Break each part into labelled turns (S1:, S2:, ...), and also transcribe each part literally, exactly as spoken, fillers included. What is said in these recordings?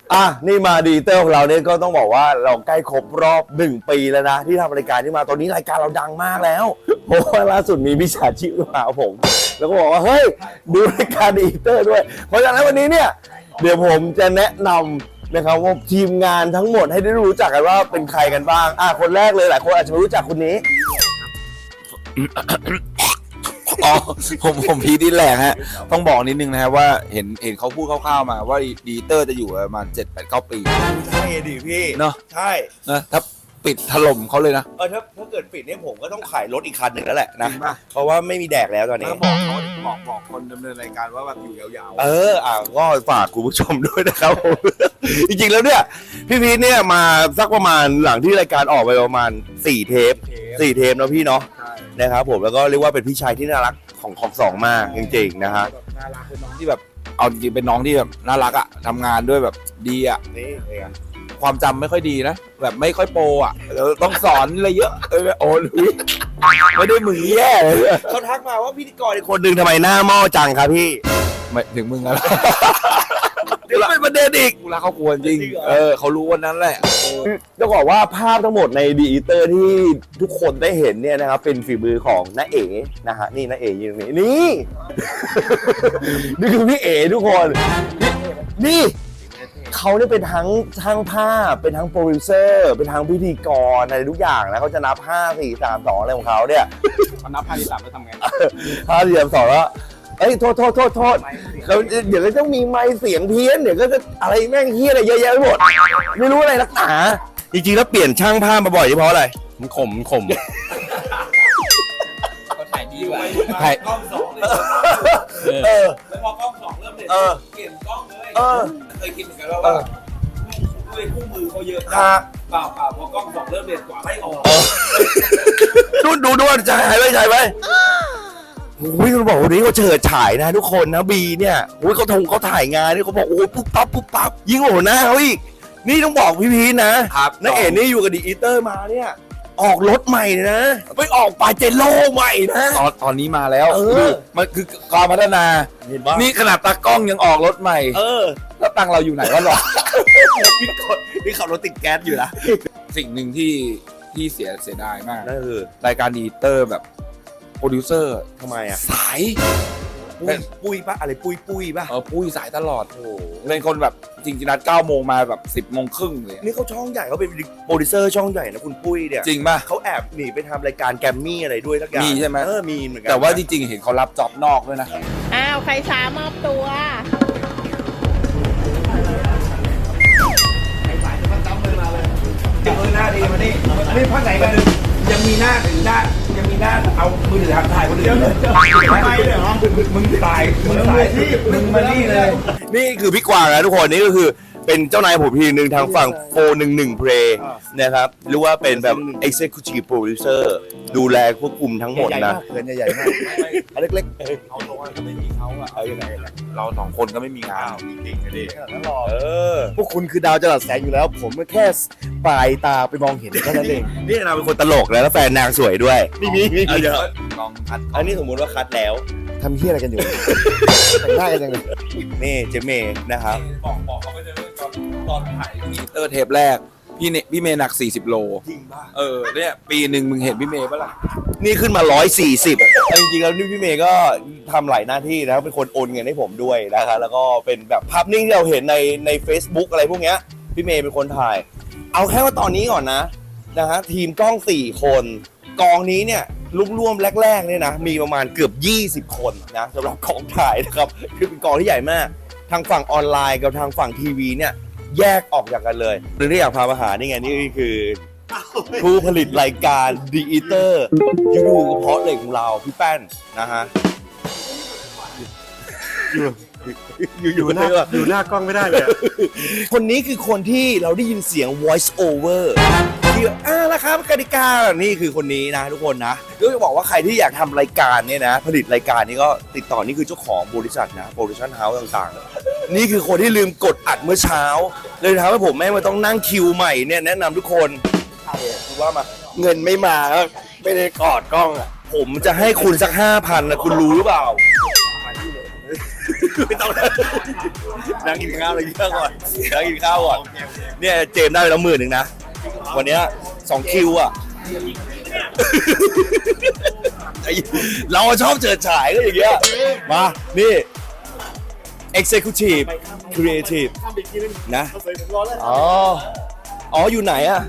S1: อ่ะนี่มาดีเตอร์ของเราเนี่ยก็ต้องบอกว่าเราใกล้ครบรอบหนึ่งปีแล้วนะที่ทำรายการที่มาตอนนี้รายการเราดังมากแล้วเพราะว่าล่าสุดมีวิชาชีพมาผม แล้วก็บอกว่าเฮ้ยดูรายการดีเตอร์ด้วยเพราะฉะนั้นวันนี้เนี่ยเดี๋ยวผมจะแนะนำนะครับว่าทีมงานทั้งหมดให้ได้รู้จักกันว่าเป็นใครกันบ้างอ่ะคนแรกเลยหลายคนอาจจะไม่รู้จักคนนี้
S2: อ๋อผมผมพีดินแหลกฮะต้องบอกนิดนึงนะครับว่าเห็นเห็นเขาพูดคร่าวๆมาว่าดีเตอร์จะอยู่ประมาณเจ็ดแปดเก้าปี
S1: ใช่ดิพี่
S2: เนาะ
S1: ใช่
S2: นะถ้าปิดถล่มเขาเลยนะ
S1: เออถ้าถ้าเกิดปิดเนี่ยผมก็ต้องขายรถอีกคันหนึ่งแล้วแหละนะเพราะว่าไม่มีแดกแล้วตอนนี้
S2: บอกบอกบอกคนดำเนินรายการว่าแบบอยู่ยาว
S1: ๆเอออ่ะก็ฝากคุณผู้ชมด้วยนะครับผม จริงๆแล้วเนี่ยพี่พีทเนี่ยมาสักประมาณหลังที่รายการออกไปประมาณสี่เทปสี่เทปนะพี่เนาะนะครับผมแล้วก็เรียกว่าเป็นพี่ชายที่น่ารักของของสองมากจริงๆนะฮะ
S2: น่ารักเป็นน้องที่แบบเอาจริงเป็นน้องที่แบบน่ารักอ่ะทำงานด้วยแบบดีอ่ะ
S1: นี่เอง
S2: ความจำไม่ค่อยดีนะแบบไม่ค่อยโปรอ่ะต้องสอนอะไรเยอะเออโอ้ยไม่ได้มึงแย่เลย
S1: เขาทักมาว่าพิธีกรอีกคนหนึ่งทำไมหน้าหม้อจังครับพี่
S2: ไม่ถึงมึงอะไร
S1: เดี๋ยวเป็นประเด็นอีก
S2: กูรักเขาควรจริงเออเขารู้วันนั้นแหละ
S1: ต้องบอกว่าภาพทั้งหมดในดีอีเตอร์ที่ทุกคนได้เห็นเนี่ยนะครับเป็นฝีมือของน้าเอ๋นะฮะนี่น้าเอ๋ยืนตรงนี้นี่นี่คือพี่เอ๋ทุกคนนี่เขาเนี่ยเป็นทั้งช่างภาพเป็นทั้งโปรดิวเซอร์เป็นทั้งพิธีกรอะไรทุกอย่างนะเขาจะนับห้า สี่ สาม สองอะไรของเขาเนี่ย
S2: เขานับห้า สี่ สามแล้วทำไง
S1: ห้า สี่ สาม สองแล้วเอ้ยโทษโทษโทษโทษเขาเดี๋ยวก็ต้องมีไมค์เสียงเพี้ยนเดี๋ยวก็จะอะไรแม่งเฮี้ยอะไรเยอะแยะไปหมดไม่รู้อะไรนักหนาจริงๆแล้วเปลี่ยนช่างภาพมาบ่อยเพราะอะไร
S2: มันข่มมันข่มเขาถ่ายดีกว่าถ่ายกล้องสองเลยเออแล้วพอกล้องสองเริ่มเด่นเปลี่ยนกล้องเลยเคยคิดเหมือนกันว่าด้วยคู่มือเขาเยอะเปล่าเปล่าพอกล้องสองเริ่มเด่นกว่าไม่ออก
S1: ดูดูดูใช่ไหมใช่ไหมโอ้ยเขาบอกวันนี้เขาเฉิดฉายนะทุกคนนะบีเนี่ยโอ้ยเขาทงเขาถ่ายงานนี่เขาบอกโอ้ยปุ๊บปั๊บปุ๊บปั๊บยิ่งโหหน้าเขาอีกนี่ต้องบอกพี่พีนะครับน้าเอ๋นี่อยู่กับดีอีเตอร์มาเนี่ยออกรถใหม่นะไปออกปาเจโร่ใหม่นะ
S2: ตอนตอนนี้มาแล้วเออมันคือการพัฒนานี่ขนาดตากล้องยังออกรถใหม่
S1: เออ
S2: แล้วตังเราอยู่ไหนวะหรอ
S1: พี่กดนี่ขับรถติดแก๊สอยู่นะ
S2: สิ่งหนึ่งที่ที่เสียเสียดายมาก
S1: นั่นคือ
S2: รายการดีเตอร์แบบโปรดิวเซอร์
S1: ทำไมอ่ะ
S2: สาย
S1: ปุ้ยปุ้ยปะอะไรปุ้ยปุ้ยปะ
S2: เออปุ้ยสายตลอดโอ้เป็นคนแบบจริงๆนัดเก้าโมงมาแบบสิบโมงครึ่งเลย
S1: นี่เขาช่องใหญ่เขาเป็นโปรดิวเซอร์ช่องใหญ่นะคุณปุ้ยเนี่ย
S2: จริงป่ะ
S1: เขาแอบหนีไปทำรายการแกมมี่อะไรด้วยสักอย่าง
S2: มีใช่ไหม
S1: เออมีเหมือนกัน
S2: แต่ว่าจริงๆเห็นเขารับจ็อบนอกด้วยนะ
S3: อ้าวใครช้ามอบตัว
S4: ใครสายจะมาจับมือมาเลยเออหน้าดีมานี่นี่ภาคไหนกันยังมีหน้าหน้ายังมีหน้าเอามือถือถ่ายคนอื่นเลยทำไมเลยเหรอมึงตายมึงตายมึงมานี่เลย
S1: นี่คือพี่กวางนะทุกคนนี่ก็คือเป็นเจ้านายผมทีนึงทางฝั่งโฟร์หนึ่งหนึ่งเพลย์นะครับหรือว่าเป็นแบบ Executive Producer ดูแลควบคุมทั้งหมดนะ
S4: เงินใหญ่มาก
S1: เล็กๆ
S2: เขาโดนก็ไม่มีเขาอะเอาอย่างไรเราสองคนก็ไม่มีงาน
S1: จริงๆดิ
S4: เออพวกคุณคือดาวจรัสแสงอยู่แล้วผมแค่ปลายตาไปมองเห็นแค่นั้นเอง
S1: นี่นางเป็นคนตลกแล้วแฟนนางสวยด้วย
S4: นี่มีมี
S1: เยอะ
S2: ลองคัด
S1: อันนี้สมมุติว่าคัดแล้ว
S4: ทำเฮี้ยอะไรกันอยู่แต่งหน้ากันยังไง
S1: นี่เจเมย์นะครับ
S2: บอกบอกเขาไปเลยตอนตอนถ่ายดีเตอร์เทปแรกพี่เนพี่เมย์หนักสี่สิบโล
S1: จริงป่ะ
S2: เออเนี่ยปีหนึ่งมึงเห็นพี่เมย์ป่ะล่ะ
S1: นี่ขึ้นมาหนึ่งร้อยสี่สิบจริงๆแล้วนี่พี่เมย์ก็ทำหลายหน้าที่นะเป็นคนโอนเงินให้ผมด้วยนะครับแล้วก็เป็นแบบภาพนิ่งที่เราเห็นในใน Facebook อะไรพวกเนี้ยพี่เมย์เป็นคนถ่ายเอาแค่ว่าตอนนี้ก่อนนะนะฮะทีมกล้องสี่คนกองนี้เนี่ยร่วมๆแรกๆเนี่ยนะมีประมาณเกือบยี่สิบคนนะสำหรับกองถ่ายนะครับคือเป็นกองที่ใหญ่มากทางฝั่งออนไลน์กับทางฝั่งทีวีเนี่ยแยกออกจากกันเลยหรือที่อยากพามาหานี่ไงนี่คือผู้ผลิตรายการดีอีเตอร์ยูดูกระเพาะเหล็กของเราพี่แป้นนะฮะ
S4: อยู่อยู่หน้าอยู่หน้ากล้องไม่ได้เลย
S1: คนนี้คือคนที่เราได้ยินเสียง voice over ที่อ่าแล้วครับกติกานี่คือคนนี้นะทุกคนนะก็จะบอกว่าใครที่อยากทำรายการเนี่ยนะผลิตรายการนี้ก็ติดต่อนี่คือเจ้าของบริษัทนะโปรดักชั่นเฮาส์ต่างๆนี่คือคนที่ลืมกดอัดเมื่อเช้าเลยทำให้ผมแม่งมาต้องนั่งคิวใหม่เนี่ยแนะนำทุกคนคือว่ามาเงินไม่มาก็ไม่ได้กอดกล้องอ่ะผมจะให้คุณสักห้าพันนะคุณรู้หรือเปล่าไม่ต้องนั่งกินข้าวอะไรเยอะก่อนนั่งกินข้าวก่อนเนี่ยเจมส์ได้ไปแล้วหมื่นหนึ่งนะวันเนี้ยสองคิวอ่ะเราชอบเจิดฉายก็อย่างเงี้ยมานี่ Executive Creative นะอ๋ออ๋ออยู่ไหนอ่ะ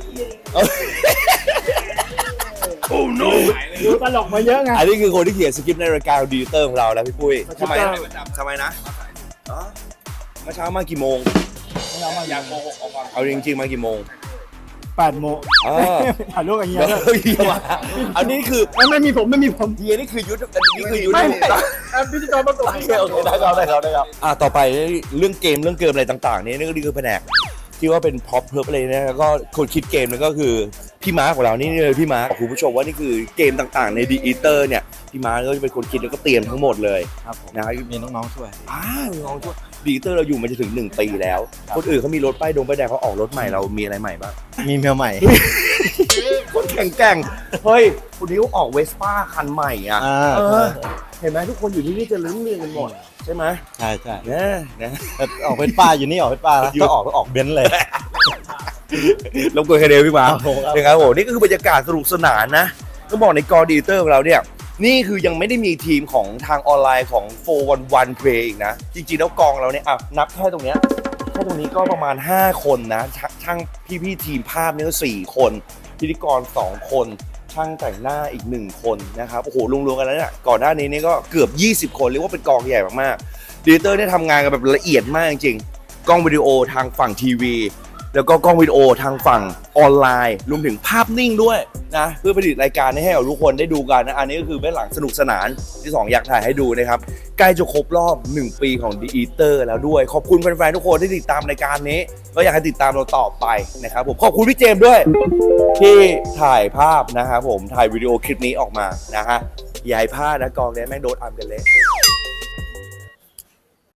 S1: โอ้ no
S5: ดูตลกมาเยอะไง
S1: อันนี้คือคนที่เขียนสคริปต์ในรายการดีเตอร์ของเราแล้วพี่ปุ้ยทำไมทำไมนะอ๋อเมื่อเช้ามากี่โมง
S2: อยากโกหกเอาความ
S1: เอาจริงๆมากี่โมง
S5: แปดโมง
S1: อ๋อ
S5: ถ่ายรูปกับเฮีย
S1: เดี๋ยว
S5: ด้วย
S1: เฮียมาอันนี้คือ
S5: ไม่ไม่มีผมไม่มีผม
S1: เฮียนี่คือยุทธอันนี้คือยุทธ
S5: ไม่ไม่แอปพิธีกรประกบ
S1: โอเคโอเคได้ครับได้ครับได้ครับอ่ะต่อไปเรื่องเกมเรื่องเกมอะไรต่างๆนี่นี่ก็คือแผนกที่ว่าเป็นพ็อปเพิร์ฟอะไรนะแล้วก็คนคิดเกมนี่ก็คือพี่มาร์คของเรานี่เลยพี่มาร์คคุณผู้ชมว่านี่คือเกมต่างๆในดีอีเตอร์เนี่ยพี่มาร์คก็จะเป็นคนคิดแล้วก็เตรียมทั้งหมดเลย
S5: ครับผม
S1: นะ
S5: มีน้องๆช่วย
S1: อ้าวน้องช่วยดีอีเตอร์เราอยู่มาจะถึงหนึ่งปีแล้วคนอื่นเขามีรถป้ายดงป้ายแดงเขาออกรถใหม่เรามีอะไรใหม่บ้าง
S5: มีเมียใหม่
S1: คนแข่งแกร่งเฮ้ยคนนี้เขาออกเวสป้าคันใหม่อ่ะ
S5: อ่า
S1: เออเห็นไหมทุกคนอยู่ที่นี่จะลื้มเรียงกันหมดใช่ไหม
S5: ใช่ใช่
S1: เนี่ยนะ
S5: แต่ออกเป็นป้าอยู่นี่ออกเป็นป้าแล้วก็ออกก็ออกเบนซ์เลย
S1: ลงตัวแค่เดียวพี่มา
S5: ครับผมครับ
S1: นะครับผมนี่ก็คือบรรยากาศสนุกสนานนะต้องบอกในกอดีเตอร์ของเราเนี่ยนี่คือยังไม่ได้มีทีมของทางออนไลน์ของโฟร์วันวันเพลย์อีกนะ จริงๆแล้วกองเราเนี่ยอ่ะนับแค่ตรงเนี้ยแค่ตรงนี้ก็ประมาณห้าคนนะชช่างพี่ๆทีมภาพเนี่ยก็สี่คนพิธีกรสองคนช่างแต่งหน้าอีกหนึ่งคนนะครับโอ้โหรวมๆกันแล้วเนี่ยก่อนหน้านี้นี่ก็เกือบยี่สิบคนเรียกว่าเป็นกองใหญ่มากๆดีเตอร์เนี่ยทำงานกันแบบละเอียดมากจริงๆกล้องวิดีโอทางฝั่งทีวีแล้วก็กล้องวิดีโอทางฝั่งออนไลน์รวมถึงภาพนิ่งด้วยนะเพื่อผลิตรายการให้กับทุกคนได้ดูกันนะอันนี้ก็คือเบื้องหลังสนุกสนานที่สองอยากถ่ายให้ดูนะครับใกล้จะครบรอบหนึ่งปีของ The Eater แล้วด้วยขอบคุณแฟนๆทุกคนที่ติดตามรายการนี้ก็อยากให้ติดตามเราต่อไปนะครับผมขอบคุณพี่เจมส์ด้วยที่ถ่ายภาพนะครับผมถ่ายวิดีโอคลิปนี้ออกมานะฮะอย่าให้พลาดนะกองนี้แม่งโดนอัมกันเลย